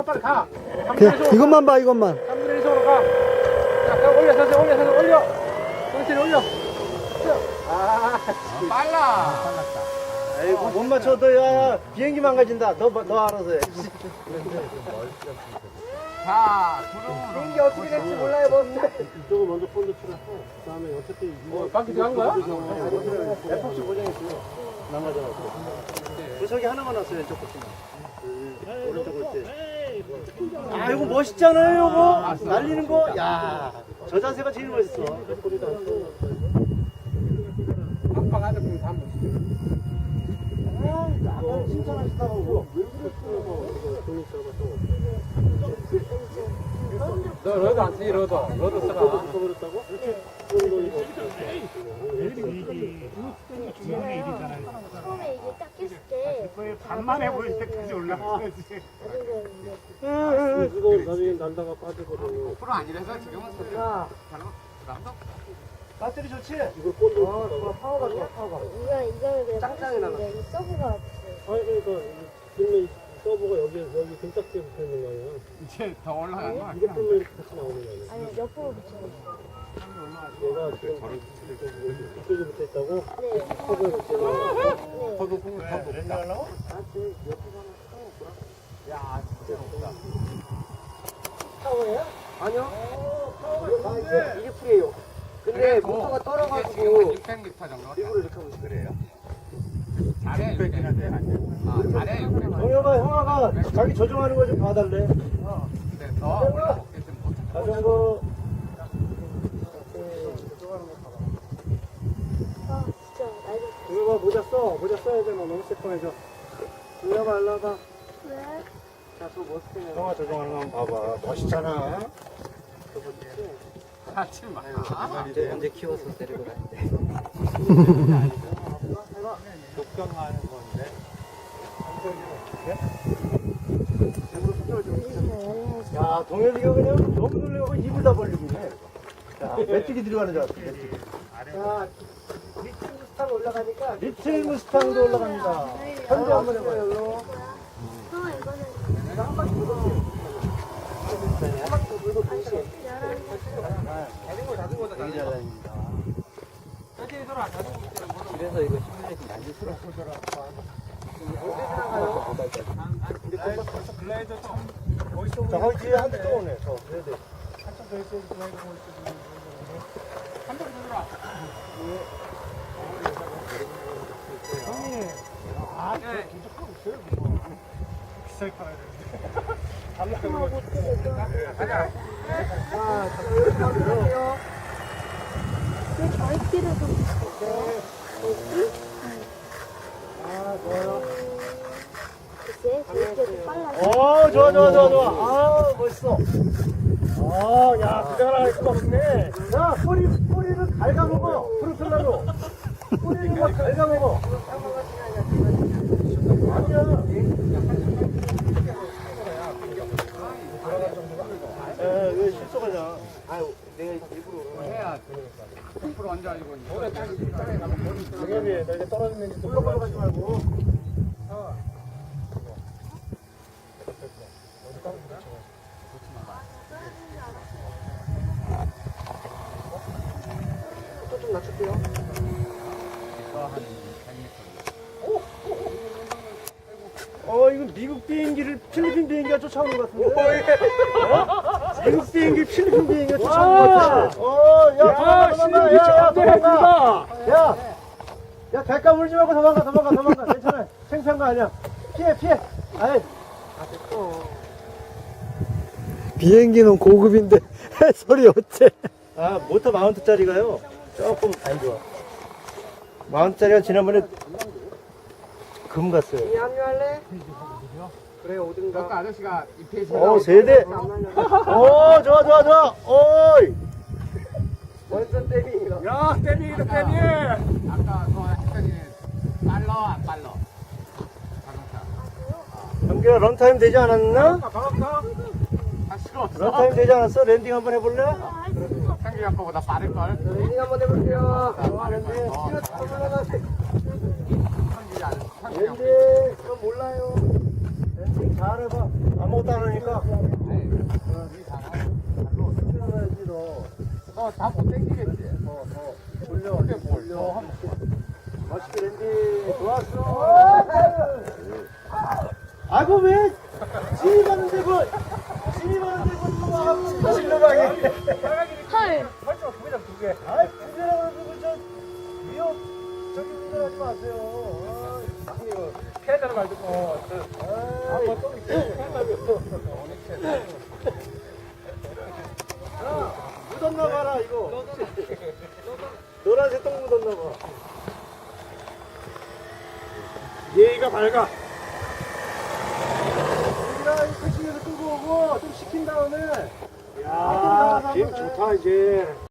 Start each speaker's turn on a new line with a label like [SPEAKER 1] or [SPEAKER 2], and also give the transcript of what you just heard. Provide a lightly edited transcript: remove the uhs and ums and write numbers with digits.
[SPEAKER 1] 빨리 가.
[SPEAKER 2] 이것만 봐, 이것만.
[SPEAKER 1] 3분의 1속으로 가. 자, 올려, 천천히 올려. 천천히 올려. 아,
[SPEAKER 3] 빨라.
[SPEAKER 1] 아이고, 못 맞춰도 야, 비행기 망가진다. 더 알아서 해.
[SPEAKER 3] 자, 구름으로.
[SPEAKER 1] 비행기 어떻게 될지 몰라요, 뭐.
[SPEAKER 4] 이쪽을 먼저 폰도 치라고. 그 다음에 어차피 이거
[SPEAKER 1] 바퀴 들어간 거야?
[SPEAKER 4] FX 고정했어요. 망가져가지고.
[SPEAKER 1] 저기 하나만 왔어요, 왼쪽 끝이만. 오른쪽 올 때. 아, 이거 멋있잖아요, 이거. 날리는 거. 야, 저 자세가 제일 멋있어.
[SPEAKER 3] 아빠가 하는 거 한번.
[SPEAKER 1] 아까 칭찬하시다고.
[SPEAKER 3] 너 러도 안 쓰니 러도 써라.
[SPEAKER 4] 버렸다고?
[SPEAKER 5] 처음에 이게 딱 깼을 때
[SPEAKER 4] 반만해 보일 때까지 올라가야지.
[SPEAKER 5] 나중에
[SPEAKER 4] 이거 나중에 날다가 빠지거든요.
[SPEAKER 3] 프로 아니라서 지금은
[SPEAKER 1] 야,
[SPEAKER 3] 잘못.
[SPEAKER 1] 배터리 좋지?
[SPEAKER 4] 이거 폰도
[SPEAKER 1] 파워가 좋아, 파워가.
[SPEAKER 5] 이거는 그냥
[SPEAKER 1] 짱짱이 나나?
[SPEAKER 5] 이 서브가 없어요.
[SPEAKER 4] 아니 그러니까 film이 서버가 여기 등짝지에 붙어 있는 거 아니야?
[SPEAKER 3] 이제 더 올라간 거
[SPEAKER 4] 이거
[SPEAKER 3] 아니야?
[SPEAKER 4] film이 같이 나오는 거 아니야?
[SPEAKER 5] 아니 옆으로 붙여요.
[SPEAKER 4] 얘가 지금 이쪽에 붙어 있다고?
[SPEAKER 5] 네.
[SPEAKER 4] 서버에 붙어 있는 거.
[SPEAKER 5] 네.
[SPEAKER 3] 더도 공을 더 높다.
[SPEAKER 1] 야, 진짜 높다.
[SPEAKER 5] 파워예요?
[SPEAKER 1] 아니요. 이게 풀이에요. 근데 모터가 떨어가지고
[SPEAKER 3] 600m 정도.
[SPEAKER 1] 일부러 이렇게 하고 있어. 그래요?
[SPEAKER 3] 잘해. 600m. 아, 잘해. 600m.
[SPEAKER 1] 형아가 자기 조정하는 거 좀 봐달래.
[SPEAKER 3] 근데 더 올라오겠으면 못
[SPEAKER 1] 자전거.
[SPEAKER 5] 아 진짜 날도
[SPEAKER 1] 동혁아 모자 써야 돼. 너 너무 새콤해져. 동혁아 일로 와봐.
[SPEAKER 5] 왜?
[SPEAKER 1] 자, 저 멋있게 형아 조정하는 거 한번 봐봐. 멋있잖아.
[SPEAKER 3] 하지 마.
[SPEAKER 1] 이제 키워서 데리고 가는데.
[SPEAKER 3] 독경하는 건데.
[SPEAKER 1] 야, 동혁이가 그냥 너무 놀래고 입을 다 벌리고 있네. 자, 메뚜기 들어가는 줄 알았어. 메뚜기. 자, 리틀 무스탕 올라가니까 리틀 무스탕도 올라갑니다. 현재 한번 해봐요.
[SPEAKER 5] 형 이거는
[SPEAKER 1] 한 바퀴 더 돌게요. 한 바퀴 더 돌고 동시에. 되게 잘 다닙니다. 그래서 이거 시뮬레이션 많이 들어. 자, 거기 뒤에 한 대 또 오네. 저, 그래야 돼. 한참 더 있어야지. 형님, 아, 긴장하고 있어요. 비싸게 팔아야 되는데.
[SPEAKER 5] 하고 어떻게
[SPEAKER 1] 자, 이렇게 하면 들어가세요.
[SPEAKER 5] 왜 저희끼리 좀
[SPEAKER 1] 아, 좋아요.
[SPEAKER 5] 글쎄 저희끼리 좀 빨라서
[SPEAKER 1] 좋아. 아, 멋있어. 야, 그거 하나 할 수가 없네. 야, 꼬리를 갉아먹어. 프로펠러로. 꼬리를 막 갉아먹어. 아니야. 왜 실속하냐. 아유, 내가 일부러.
[SPEAKER 3] 해야 100% 앉아가지고.
[SPEAKER 1] 정엽이, 너 이제 떨어지면 물러가러 가지 말고. 좀 낮출게요. 이거 미국 비행기를 필리핀 비행기가 쫓아오는 것 같은데? 미국 비행기 필리핀 비행기가 쫓아오는 것 같아. 도망가. 야, 객가 물지 말고 도망가. 괜찮아. 창피한 거 아니야. 피해. 아이.
[SPEAKER 2] 비행기는 고급인데 해설이 어째?
[SPEAKER 1] 모터 마운트짜리가요. 조금 안 좋아. 마운트짜리가 지난번에 금 갔어요.
[SPEAKER 3] 합류할래? 그래 오든가. 아까 아저씨가 이 페이지.
[SPEAKER 1] 세대. 좋아. 어이. 완전 때리기가.
[SPEAKER 3] 야 때리기도 때리. 아까 그거 했더니 빨러 안 빨러. 자동차.
[SPEAKER 1] 경기가 런타임 되지 않았나?
[SPEAKER 3] 할 수가 없어.
[SPEAKER 1] 런타임 되지 않았어? 랜딩 한번 해볼래?
[SPEAKER 3] 생기 아빠보다 빠를 걸.
[SPEAKER 1] 랜딩 한번 해볼게요. 랜딩, 전 몰라요. 랜딩 잘해봐. 아무것도 안 하니까.
[SPEAKER 3] 너다못 땡기겠지?
[SPEAKER 1] 돌려.
[SPEAKER 3] 더
[SPEAKER 1] 맛있게 랜디. 좋았어. 아이고, 왜? 진입하는데 뭐. 진입하는데 뭐. 와가지고. 진로방이.
[SPEAKER 5] 헐.
[SPEAKER 1] 아이, 부자라고 그러고 저. 위협. 저기 운전하지 마세요.
[SPEAKER 3] 피해자는 말고 한번 또
[SPEAKER 1] 묻었나 봐라, 이거. 노란색 똥 묻었나 봐. 예의가 밝아. 우리가 이 택시에서 끌고 오고 좀 식힌 다음에. 야, 김 좋다, 이제.